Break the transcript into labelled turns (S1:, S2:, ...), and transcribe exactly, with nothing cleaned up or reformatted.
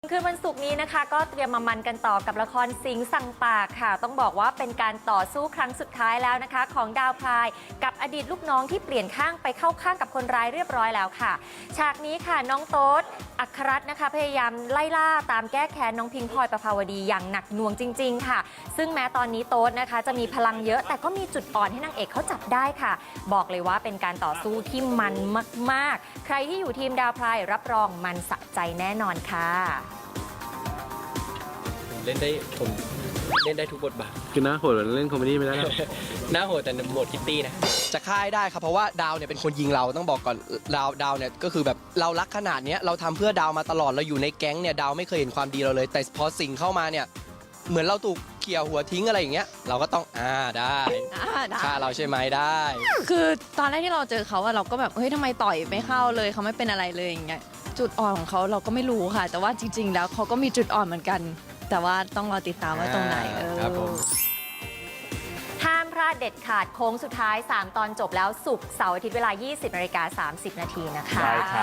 S1: คืนวันศุกร์นี้นะคะก็เตรียมมามันกันต่อกับละครสิงห์สั่งปากค่ะต้องบอกว่าเป็นการต่อสู้ครั้งสุดท้ายแล้วนะคะของดาวพลายกับอดีตลูกน้องที่เปลี่ยนข้างไปเข้าข้างกับคนร้ายเรียบร้อยแล้วค่ะฉากนี้ค่ะน้องโต๊ดอัครรัตน์นะคะพยายามไล่ล่าตามแก้แค้นน้องพิงค์พลอยประภาวดีอย่างหนักหน่วงจริงๆค่ะซึ่งแม้ตอนนี้โต๊ดนะคะจะมีพลังเยอะแต่ก็มีจุดอ่อนให้นางเอกเขาจับได้ค่ะบอกเลยว่าเป็นการต่อสู้ที่มันมากๆใครที่อยู่ทีมดาวพลายรับรองมันสะใจแน่นอนค่ะ
S2: เล่นได้ผมเล่นได้ทุกบทบาท
S3: คือหน้าโหดเล่นคอมเมดี้ไม่ได้หรอก
S2: หน้าโหดแต่โหมดคิตตี้นะ
S4: จะฆ่าให้ได้ครับเพราะว่าดาวเนี่ยเป็นคนยิงเราต้องบอกก่อนดาวดาวเนี่ยก็คือแบบเรารักขนาดนี้เราทำเพื่อดาวมาตลอดเราอยู่ในแก๊งเนี่ยดาวไม่เคยเห็นความดีเราเลยแต่พอสิ่งเข้ามาเนี่ยเหมือนเราถูกเขี่ยหัวทิ้งอะไรอย่างเงี้ยเราก็ต้องอ่าได้ฆ่าเราใช่ไหมได้
S5: คือตอนแรกที่เราเจอเขาอะเราก็แบบเฮ้ยทำไมต่อยไม่เข้าเลยเขาไม่เป็นอะไรเลยอย่างเงี้ยจุดอ่อนของเขาเราก็ไม่รู้ค่ะ แต่ว่าจริง ๆ แล้วเขาก็มีจุดอ่อนเหมือนกัน แต่ว่าต้องรอติดตามว่าตรงไหนเออ
S4: ครับผม
S1: ห้ามพลาดเด็ดขาดโค้งสุดท้ายสามตอนจบแล้วศุกร์เสาร์อาทิตย์เวลา ยี่สิบนาฬิกาสามสิบนาทีนะคะ